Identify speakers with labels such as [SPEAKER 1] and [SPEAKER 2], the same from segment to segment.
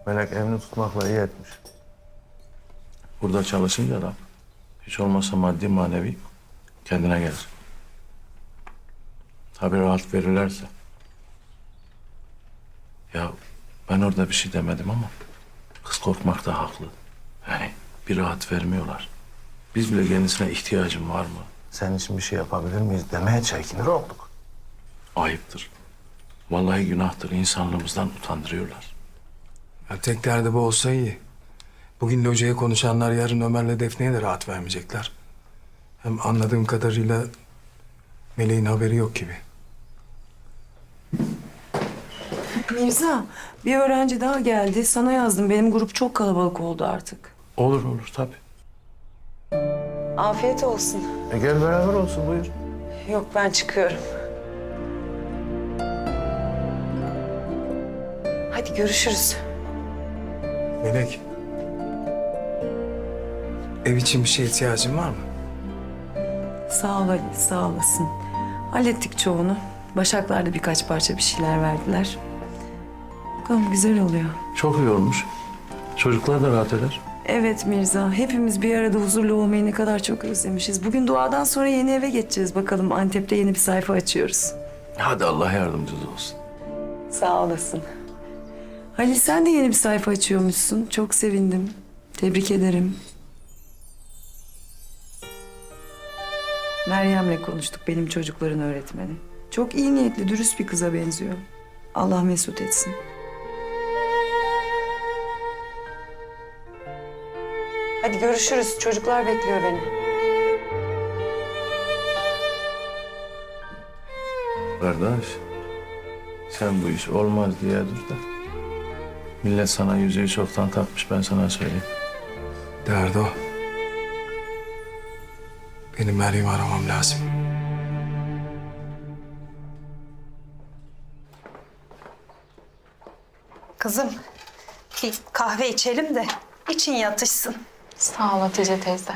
[SPEAKER 1] Melek evini tutmakla iyi etmiş.
[SPEAKER 2] Burada çalışınca da hiç olmazsa maddi manevi kendine gelir. Tabii rahat verirlerse. Ya ben orada bir şey demedim ama kız korkmakta haklı. Yani bir rahat vermiyorlar. Biz bile kendisine ihtiyacım var mı?
[SPEAKER 1] Senin için bir şey yapabilir miyiz demeye çekinir olduk.
[SPEAKER 2] Ayıptır. Vallahi günahtır. İnsanlığımızdan utandırıyorlar.
[SPEAKER 3] Ya tek derdi bu olsa iyi. Bugün locaya konuşanlar yarın Ömer'le Defne'ye de rahat vermeyecekler. Hem anladığım kadarıyla Meleğin haberi yok gibi.
[SPEAKER 4] Mirza, bir öğrenci daha geldi. Sana yazdım. Benim grup çok kalabalık oldu artık.
[SPEAKER 2] Olur olur tabii.
[SPEAKER 4] Afiyet olsun.
[SPEAKER 1] Gel beraber olsun buyur.
[SPEAKER 4] Yok, ben çıkıyorum. Hadi görüşürüz.
[SPEAKER 3] Melek. Ev için bir şeye ihtiyacın var mı?
[SPEAKER 4] Sağ ol Ali, sağ olasın. Hallettik çoğunu. Başaklar da birkaç parça bir şeyler verdiler. Bakalım güzel oluyor.
[SPEAKER 2] Çok iyi olmuş. Çocuklar da rahat eder.
[SPEAKER 4] Evet Mirza, hepimiz bir arada huzurlu olmayı ne kadar çok özlemişiz. Bugün duadan sonra yeni eve geçeceğiz. Bakalım Antep'te yeni bir sayfa açıyoruz.
[SPEAKER 2] Hadi Allah yardımcınız olsun.
[SPEAKER 4] Sağ olasın. Halil sen de yeni bir sayfa açıyormuşsun. Çok sevindim. Tebrik ederim. Meryem'le konuştuk, benim çocukların öğretmeni. Çok iyi niyetli, dürüst bir kıza benziyor. Allah mesut etsin. Hadi görüşürüz. Çocuklar bekliyor beni.
[SPEAKER 2] Kardeş, sen bu iş olmaz diye dur da. Millet sana yüzüğü çoktan takmış, ben sana söyleyeyim.
[SPEAKER 3] Derdi o. Benim Meryem'i aramam lazım.
[SPEAKER 5] Kızım, bir kahve içelim de için yatışsın.
[SPEAKER 6] Sağ ol Hatice teyze.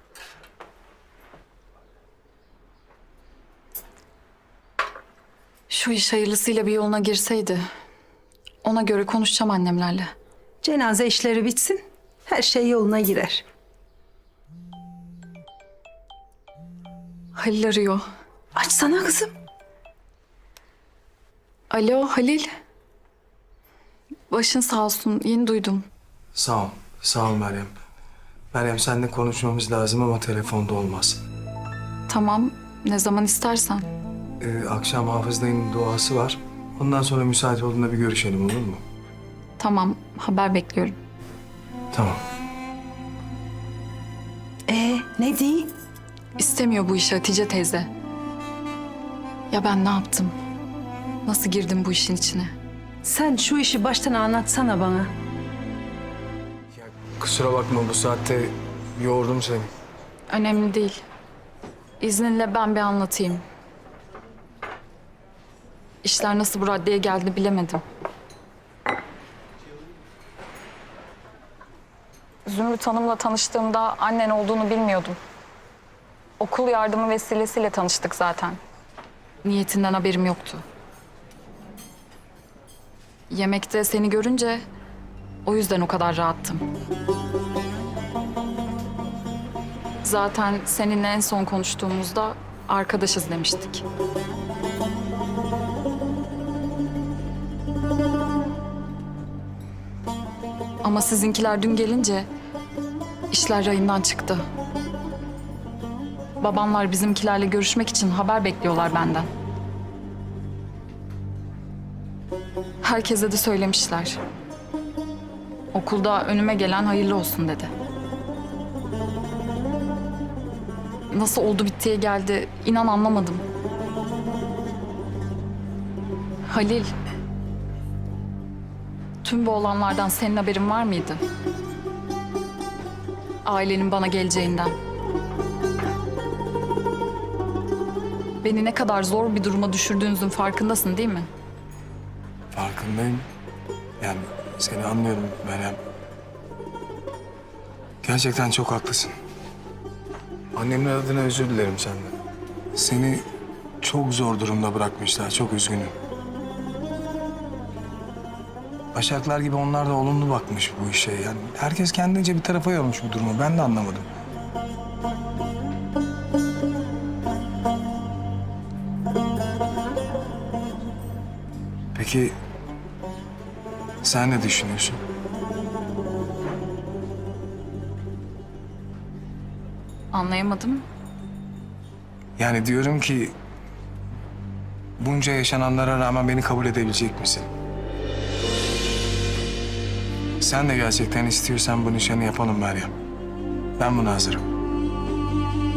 [SPEAKER 6] Şu iş hayırlısıyla bir yoluna girseydi... ona göre konuşacağım annemlerle.
[SPEAKER 5] Cenaze işleri bitsin, her şey yoluna girer.
[SPEAKER 6] Halil arıyor.
[SPEAKER 5] Açsana kızım.
[SPEAKER 6] Alo Halil. Başın sağ olsun, yeni duydum.
[SPEAKER 3] Sağ ol. Sağ ol Meryem. Meryem seninle konuşmamız lazım ama telefonda olmaz.
[SPEAKER 6] Tamam, ne zaman istersen.
[SPEAKER 3] Akşam Hafız dayının duası var. Ondan sonra müsait olduğunda bir görüşelim olur mu?
[SPEAKER 6] Tamam, haber bekliyorum.
[SPEAKER 3] Tamam.
[SPEAKER 5] Ne diye?
[SPEAKER 6] İstemiyor bu işi Hatice teyze. Ya ben ne yaptım? Nasıl girdim bu işin içine?
[SPEAKER 5] Sen şu işi baştan anlatsana bana.
[SPEAKER 3] Kusura bakma bu saatte yoğurdum seni.
[SPEAKER 6] Önemli değil. İzninle ben bir anlatayım. İşler nasıl bu raddeye geldi bilemedim. Zümrüt Hanım'la tanıştığımda annen olduğunu bilmiyordum. Okul yardımı vesilesiyle tanıştık zaten. Niyetinden haberim yoktu. Yemekte seni görünce o yüzden o kadar rahattım. Zaten seninle en son konuştuğumuzda arkadaşız demiştik. Ama sizinkiler dün gelince işler rayından çıktı. Babamlar bizimkilerle görüşmek için haber bekliyorlar benden. Herkese de söylemişler. Okulda önüme gelen hayırlı olsun dedi. Nasıl oldu bittiye geldi inan anlamadım. Halil, tüm bu olanlardan senin haberin var mıydı? Ailenin bana geleceğinden. Beni ne kadar zor bir duruma düşürdüğünüzün farkındasın değil mi?
[SPEAKER 3] Farkındayım. Yani seni anlıyorum Meryem. Gerçekten çok haklısın. Annemler adına özür dilerim senden. Seni çok zor durumda bırakmışlar. Çok üzgünüm. Başaklar gibi onlar da olumlu bakmış bu işe. Yani herkes kendince bir tarafa yormuş bu durumu. Ben de anlamadım. Peki sen ne düşünüyorsun?
[SPEAKER 6] Anlayamadım.
[SPEAKER 3] Yani diyorum ki bunca yaşananlara rağmen beni kabul edebilecek misin? Sen de gerçekten istiyorsan bu nişanı yapalım Meryem. Ben buna hazırım.